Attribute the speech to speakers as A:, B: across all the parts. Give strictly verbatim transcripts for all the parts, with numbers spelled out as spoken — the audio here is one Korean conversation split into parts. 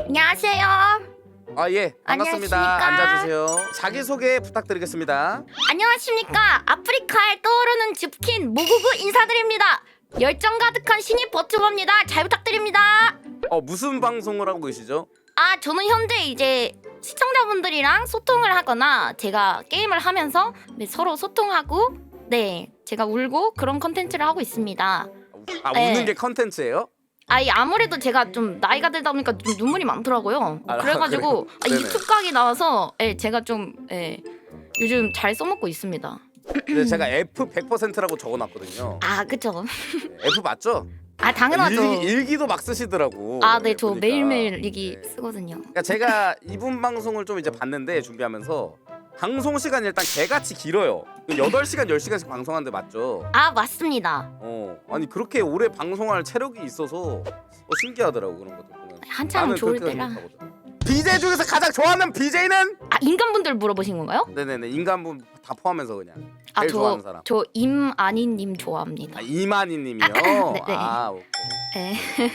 A: 안녕하세요.
B: 아 예, 반갑습니다.
A: 안녕하십니까?
B: 앉아주세요. 자기소개 부탁드리겠습니다.
A: 안녕하십니까. 아프리카에 떠오르는 즈킨 모구구 인사드립니다. 열정 가득한 신입 버튜버입니다. 잘 부탁드립니다.
B: 어 무슨 방송을 하고 계시죠?
A: 아, 저는 현재 이제 시청자분들이랑 소통을 하거나 제가 게임을 하면서 네, 서로 소통하고 네, 제가 울고 그런 컨텐츠를 하고 있습니다.
B: 아
A: 네.
B: 우는 게 컨텐츠예요?
A: 아, 이 아무래도 제가 좀 나이가 들다 보니까 좀 눈물이 많더라고요.
B: 아,
A: 그래가지고
B: 그래요?
A: 아,
B: 네네.
A: 유튜브 각이 나와서 예, 제가 좀 예, 요즘 잘 써먹고 있습니다.
B: 근데 제가 F 백 퍼센트라고 적어놨거든요.
A: 아, 그쵸.
B: F 맞죠?
A: 아, 당연하죠.
B: 일기, 일기도 막 쓰시더라고.
A: 아, 네, 저
B: 보니까.
A: 매일매일 일기
B: 네.
A: 쓰거든요.
B: 그러니까 제가 이분 방송을 좀 이제 봤는데 준비하면서 방송 시간이 일단 개같이 길어요. 여덟 시간 열 시간씩 방송하는데 맞죠?
A: 아, 맞습니다.
B: 어 아니 그렇게 오래 방송할 체력이 있어서 어, 신기하더라고 그런 것도 보면.
A: 한참
B: 나는
A: 좋을
B: 그렇게
A: 때라.
B: 생각하거든. 비제이 중에서 가장 좋아하는 비제이는?
A: 아, 인간분들 물어보신 건가요?
B: 네네네 인간분 다 포함해서 그냥
A: 아,
B: 제일 좋아하는
A: 저,
B: 사람.
A: 저 임아니님 좋아합니다.
B: 아, 이만희님이요.
A: 네, 네.
B: 아 오케이.
A: 네.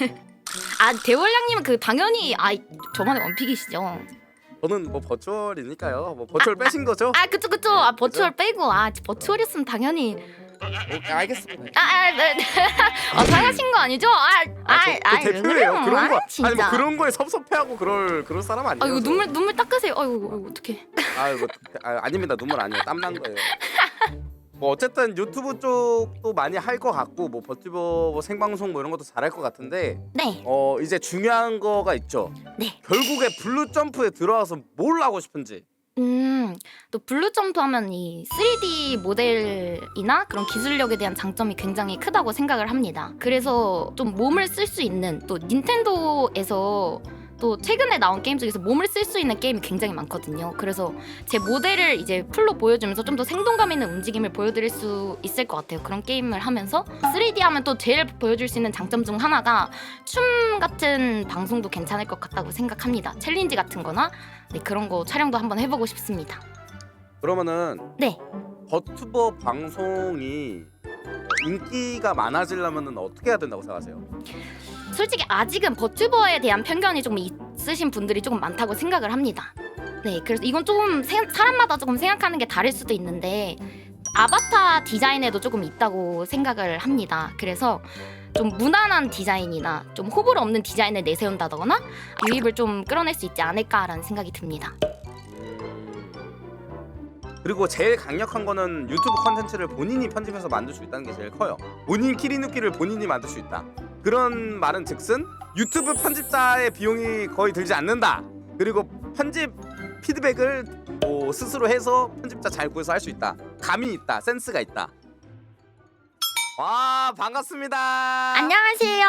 A: 아, 대월량님은 그 당연히 아, 저만의 원픽이시죠.
B: 저는 뭐 버추얼이니까요. 뭐 버추얼 빼신 거죠?
A: 아, 그쵸, 그쵸. 아, 버추얼 빼고 아, 버추얼이었으면 당연히
B: 오케이, 알겠습니다.
A: 아, 아, 네. 아, 상하신 거 아니죠? 아, 아,
B: 아, 저,
A: 아,
B: 저
A: 왜
B: 대표예요.
A: 그래요?
B: 그런 거
A: 아, 진짜.
B: 아니 뭐 그런 거에 섭섭해하고 그럴 그럴 사람 아니에요.
A: 아, 이거
B: 저.
A: 눈물 눈물 닦으세요. 아이고, 아이고 어떡해.
B: 아이고 아, 아닙니다. 눈물 아니에요. 땀 난 거예요. 뭐 어쨌든 유튜브 쪽도 많이 할 것 같고 뭐 버티버 뭐 생방송 뭐 이런 것도 잘할 것 같은데
A: 네,
B: 어 이제 중요한 거가 있죠.
A: 네.
B: 결국에 블루 점프에 들어와서 뭘 하고 싶은지.
A: 음, 또 블루 점프 하면 이 쓰리디 모델이나 그런 기술력에 대한 장점이 굉장히 크다고 생각을 합니다. 그래서 좀 몸을 쓸 수 있는 또 닌텐도에서 또 최근에 나온 게임 중에서 몸을 쓸 수 있는 게임이 굉장히 많거든요. 그래서 제 모델을 이제 풀로 보여주면서 좀 더 생동감 있는 움직임을 보여드릴 수 있을 것 같아요. 그런 게임을 하면서 쓰리디 하면 또 제일 보여줄 수 있는 장점 중 하나가 춤 같은 방송도 괜찮을 것 같다고 생각합니다. 챌린지 같은 거나 네, 그런 거 촬영도 한번 해보고 싶습니다.
B: 그러면은
A: 네.
B: 버튜버 방송이 인기가 많아지려면은 어떻게 해야 된다고 생각하세요?
A: 솔직히 아직은 버튜버에 대한 편견이 조금 있으신 분들이 조금 많다고 생각을 합니다. 네, 그래서 이건 조금 세, 사람마다 조금 생각하는 게 다를 수도 있는데 아바타 디자인에도 조금 있다고 생각을 합니다. 그래서 좀 무난한 디자인이나 좀 호불호 없는 디자인을 내세운다거나 유입을 좀 끌어낼 수 있지 않을까라는 생각이 듭니다.
B: 그리고 제일 강력한 거는 유튜브 컨텐츠를 본인이 편집해서 만들 수 있다는 게 제일 커요. 본인 키리누키를 본인이 만들 수 있다. 그런 말은 즉슨 유튜브 편집자의 비용이 거의 들지 않는다. 그리고 편집 피드백을 뭐 스스로 해서 편집자 잘 구해서 할 수 있다. 감이 있다. 센스가 있다. 와 반갑습니다.
A: 안녕하세요.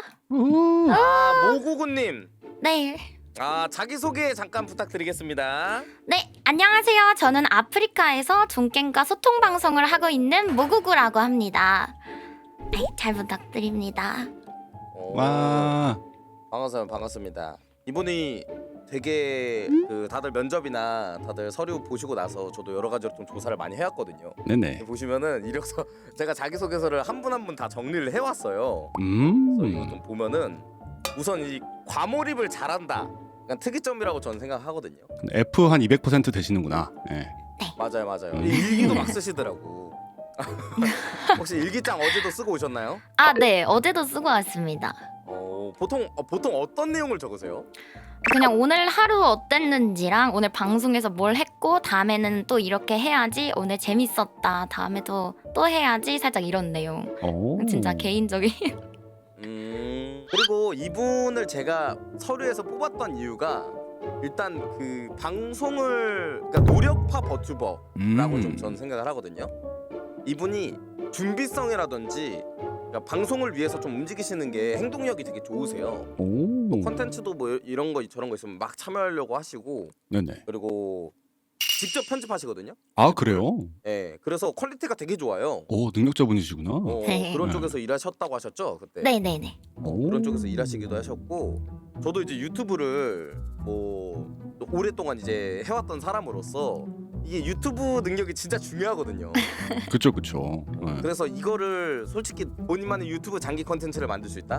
B: 아 모구구님.
A: 네.
B: 아 자기소개 잠깐 부탁드리겠습니다.
A: 네, 안녕하세요. 저는 아프리카에서 종겜과 소통 방송을 하고 있는 모구구라고 합니다. 네, 잘 부탁드립니다.
B: 오,
C: 와.
B: 반갑습니다. 반갑습니다. 이분이 되게 그 다들 면접이나 다들 서류 보시고 나서 저도 여러 가지로 좀 조사를 많이 해왔거든요.
C: 네네.
B: 보시면은 이력서 제가 자기소개서를 한 분 한 분 다 정리를 해왔어요.
C: 음.
B: 그래서 이거 좀 보면은 우선 이 과몰입을 잘한다. 약간 특이점이라고 저는 생각하거든요.
C: F 한 이백 퍼센트 되시는구나. 네.
B: 맞아요, 맞아요.
C: 음.
B: 일기도 막 쓰시더라고. 혹시 일기장 어제도 쓰고 오셨나요?
A: 아, 네, 어제도 쓰고 왔습니다.
B: 어, 보통 어, 보통 어떤 내용을 적으세요?
A: 그냥 오늘 하루 어땠는지랑 오늘 방송에서 뭘 했고 다음에는 또 이렇게 해야지, 오늘 재밌었다, 다음에도 또 해야지, 살짝 이런 내용.
C: 오.
A: 진짜 개인적인.
B: 음 그리고 이분을 제가 서류에서 뽑았던 이유가 일단 그 방송을 그러니까 노력파 버튜버라고
C: 음.
B: 좀 전 생각을 하거든요. 이분이 준비성이라든지 그러니까 방송을 위해서 좀 움직이시는 게 행동력이 되게 좋으세요.
C: 오.
B: 컨텐츠도 뭐 이런 거 저런 거 있으면 막 참여하려고 하시고
C: 네네.
B: 그리고 직접 편집하시거든요.
C: 아 그래요?
B: 예, 그래서 퀄리티가 되게 좋아요.
C: 오 능력자분이시구나.
B: 어,
A: 네.
B: 그런
C: 네.
B: 쪽에서 일하셨다고 하셨죠 그때.
A: 네네네.
B: 어, 그런 쪽에서 일하시기도 하셨고 저도 이제 유튜브를 뭐 오랫동안 이제 해왔던 사람으로서 이게 유튜브 능력이 진짜 중요하거든요.
C: 그쵸 그쵸. 네.
B: 그래서 이거를 솔직히 본인만의 유튜브 장기 컨텐츠를 만들 수 있다?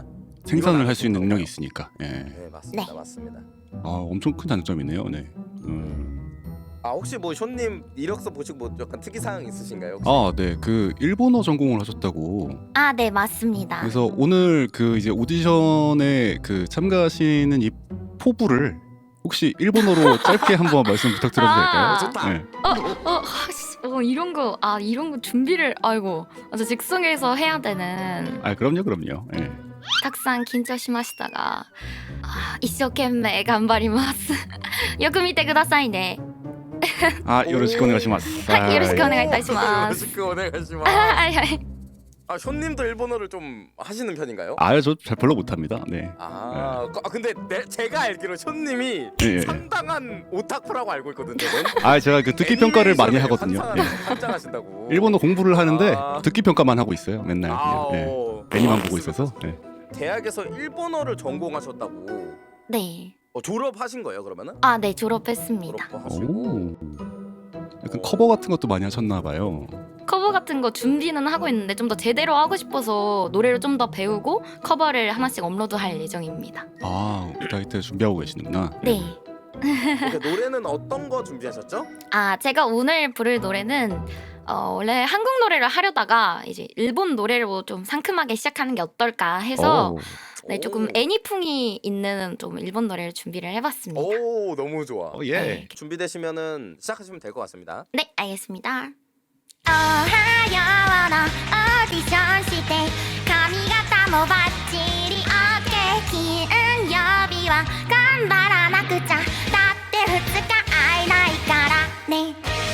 C: 생산을 할 수 있는 능력이 있으니까. 예.
B: 네 맞습니다
A: 네.
B: 맞습니다.
C: 아 엄청 큰 장점이네요. 네. 음.
B: 아 혹시 뭐 쇼님 이력서 보시고 뭐 약간 특이 사항 있으신가요? 혹시?
C: 아, 네. 그 일본어 전공을 하셨다고.
A: 아, 네, 맞습니다.
C: 그래서 오늘 그 이제 오디션에 그 참가하시는 이 포부를 혹시 일본어로 짧게 한번 말씀 부탁드려도
A: 아,
C: 될까요?
B: 좋다.
C: 네.
A: 어, 어, 씨, 어, 이런 거, 아, 이런 거 준비를, 아이고, 아, 저 즉석에서 해야 되는.
C: 아, 그럼요, 그럼요. 예.
A: たくさん緊張しましたが、あ一生懸命頑張ります。よく見てくださいね。
C: 아, 요로시ku 오네가시마스.
A: はい、よろしくお
C: 아,
A: 願いいたしま
B: 요
A: す。
B: 로しくお願いしま
A: あ、
B: す。
A: はいはい。
B: 아 쇼님도 일본어를 좀 하시는 편인가요?
C: 아, 저 잘 별로 못합니다. 네.
B: 아, 그- 아 근데 내, 제가 알기로 쇼님이
C: 예, 예.
B: 상당한 오타쿠라고 알고 있거든요. 저는.
C: 아, 제가 그 듣기 평가를 많이 하거든요. 예.
B: 환장하신다고.
C: 일본어 공부를 하는데
B: 아.
C: 듣기 평가만 하고 있어요. 맨날
B: 아,
C: 그냥. 예.
B: 어.
C: 애니만 보고 있어서. 예.
B: 대학에서 일본어를 전공하셨다고.
A: 네.
B: 어, 졸업하신 거예요 그러면은?
A: 아, 네, 졸업했습니다.
B: 졸업하시고.
C: 오. 약간 커버 같은 것도 많이 하셨나 봐요.
A: 커버 같은 거 준비는 하고 있는데 좀 더 제대로 하고 싶어서 노래를 좀 더 배우고 커버를 하나씩 업로드할 예정입니다.
C: 아, 라이트 준비하고 계시는구나.
A: 네.
B: 그러니까 노래는 어떤 거 준비하셨죠?
A: 아, 제가 오늘 부를 노래는 어, 원래 한국 노래를 하려다가 이제 일본 노래로 좀 상큼하게 시작하는 게 어떨까 해서
C: 오.
A: 네, 조금
B: 오.
A: 애니풍이 있는 좀 일본 노래를 준비를 해봤습니다.
B: 오 너무 좋아.
C: 어, 예.
A: 네.
B: 준비되시면은 시작하시면 될 것 같습니다.
A: 네, 알겠습니다. おはようのオーディションして髪型もバッチリ OK 金曜日は頑張らなくちゃだってふつか会えないからね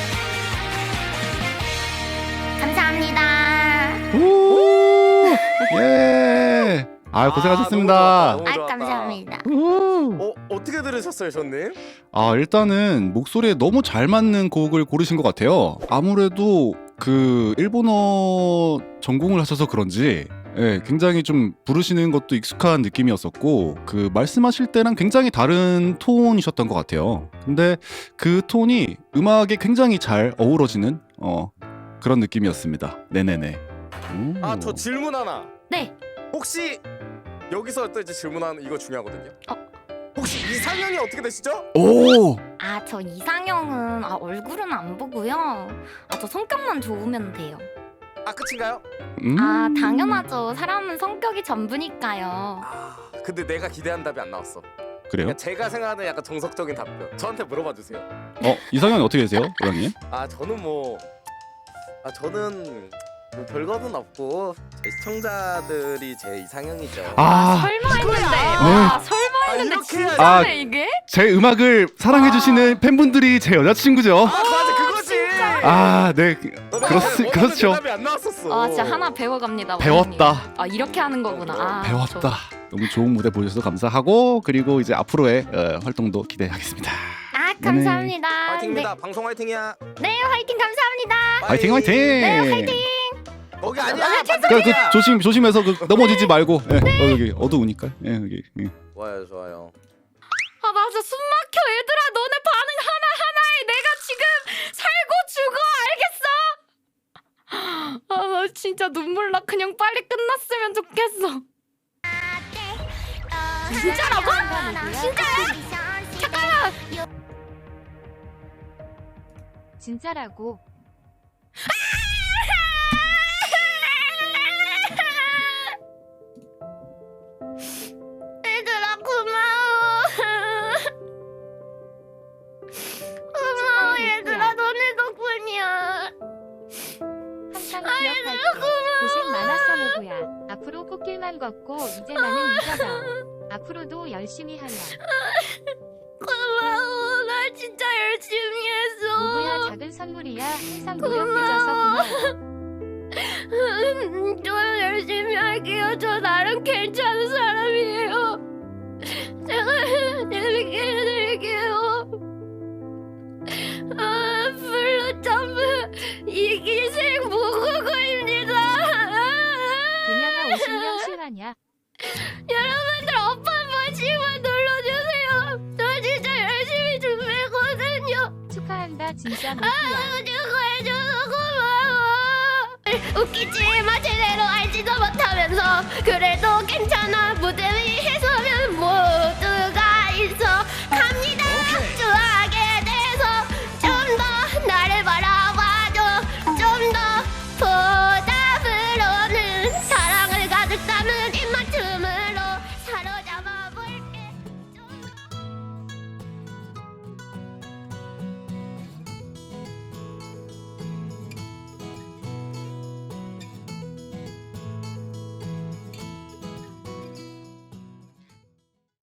A: 감사합니다.
C: 오! 예. 아, 고생하셨습니다.
B: 아, 너무
A: 아,
B: 좋았다.
A: 감사합니다.
C: 우.
B: 어 어떻게 들으셨어요, 쇼님?
C: 아, 일단은 목소리에 너무 잘 맞는 곡을 고르신 것 같아요. 아무래도 그 일본어 전공을 하셔서 그런지 예, 굉장히 좀 부르시는 것도 익숙한 느낌이었었고 그 말씀하실 때랑 굉장히 다른 톤이셨던 것 같아요. 근데 그 톤이 음악에 굉장히 잘 어우러지는 어, 그런 느낌이었습니다. 네네네. 오.
B: 아 저 질문 하나.
A: 네.
B: 혹시 여기서 또 이제 질문하는 이거 중요하거든요.
A: 어.
B: 혹시 이상형이 어떻게 되시죠?
C: 오!
A: 아, 저 이상형은 아, 얼굴은 안 보고요. 아, 저 성격만 좋으면 돼요.
B: 아 끝인가요?
C: 음.
A: 아, 당연하죠. 사람은 성격이 전부니까요.
B: 아 근데 내가 기대한 답이 안 나왔어.
C: 그래요?
B: 그러니까 제가 생각하는 약간 정석적인 답변. 저한테 물어봐 주세요.
C: 어, 이상형이 어떻게 되세요, 고양이?
B: 아 저는 뭐, 아 저는 뭐 별거는 없고 제 시청자들이 제 이상형이죠.
C: 아,
A: 설마 했는데.
B: 아,
A: 와, 설마
B: 아,
A: 했는데
B: 이렇게
A: 진짜네
C: 아,
A: 이게?
C: 제 음악을 사랑해주시는 팬분들이 제 여자친구죠.
B: 아 맞아 그거지.
C: 아, 네.
B: 너 내가
C: 그렇,
B: 원하는
C: 그렇죠.
B: 대답이 안 나왔었어.
A: 아, 진짜 하나 배워갑니다.
C: 배웠다.
A: 원장님. 아, 이렇게 하는 거구나. 아,
C: 배웠다.
A: 저-
C: 너무 좋은 무대 보여주셔서 감사하고 그리고 이제 앞으로의 어, 활동도 기대하겠습니다.
A: 아, 감사합니다.
B: 화이팅입니다. 방송 화이팅이야.
A: 네, 네, 화이팅 감사합니다.
C: 화이팅 화이팅.
A: 네, 화이팅.
B: 거기 아니야.
C: 그, 그 조심 조심해서 그 넘어지지 말고. 예, 어, 여기 어두우니까. 예, 여기. 예.
B: 좋아요 좋아요.
A: 아, 나 진짜 숨 막혀. 얘들아, 너네 반응 하나하나에 내가 지금 살고 죽어. 알겠어? 아, 나 진짜 눈물 나. 그냥 빨리 끝났으면 좋겠어. 진짜라고? 진짜야? 잠깐만.
D: 진짜라고.
A: 얘들아, 고마워. 고마워, 얘들아. 너네 덕분이야.
D: 항상 기억할게. 고생 많았어 모구야. 앞으로 꽃길만 걷고 이제 나는 잊어다. 앞으로도 열심히 하라.
A: 고마워. 나 진짜 열심히 했어.
D: 모구야 작은 선물이야. 항상 노력해줘서 고마워.
A: 음, 저 열심히 할게요. 저 나름 괜찮은 사람이에요. 제가 재밌게 해드릴게요. 아, 블루 점프 이기생 모국어입니다.
D: 개명아 오십 명 실화냐?
A: 여러분들 어퍼 한 번씩만 눌러주세요. 저 진짜 열심히 준비했거든요.
D: 축하한다 진짜 모구야.
A: 저거 해줘서 고마워. 웃기지만 제대로 알지도 못하면서 그래도